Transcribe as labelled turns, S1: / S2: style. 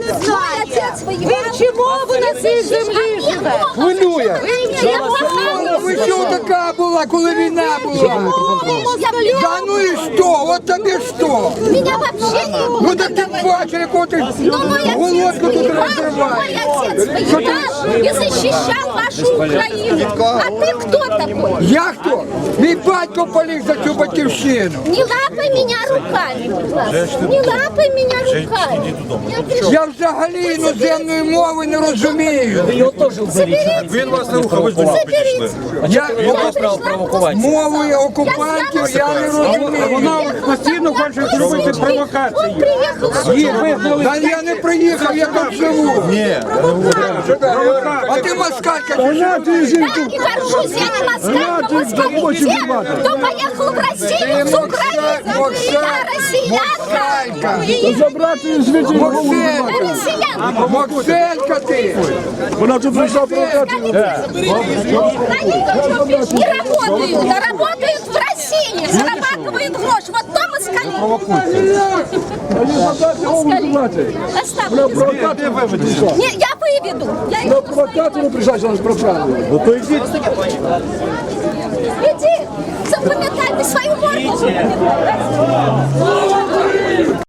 S1: не знає. Він чому ви на цій землі живе?
S2: Хвилює. Ви що така була, коли війна була? Да ну і що? От тобі що?
S3: Меня вообще не было.
S2: Ну так ти бачиш, яку ти голодку тут розриваєш.
S3: Мой отец воевал и защищал вашу Украину. А ты кто такой?
S2: Я хто? Мій батько поліг за цю батьківщину.
S3: Не лапай меня руками, будь ласка. Не лапай меня руками. Я пришла.
S2: Я взагалі іноземної мови не розумію.
S4: Він вас не рухав, ви ж до нього підійшли.
S2: Я
S4: Право провокувати.
S2: мовою окупантів я не розумію.
S5: Вона постійно хоче робити
S3: Он
S5: провокації.
S3: приехал.
S2: Та я не приїхав, я тут живу.
S4: Ні,
S2: А ти москалька.
S3: Да, и горжусь, я не москалька, москаль. Те, кто поехал в Россию с Украины. Я россиянка.
S5: Забрати звідти
S3: Я
S2: Мокселька.
S3: россиянка.
S2: Мокселька ти.
S5: вона тут прийшла провокацію.
S3: Не работают, а работают в России, зарабатывают гроши. Вот то москали. Оставьте. Не, я выведу. Я их
S5: Провокацію прийшла, що нас проправили.
S3: Иди, запоминайте свою морду.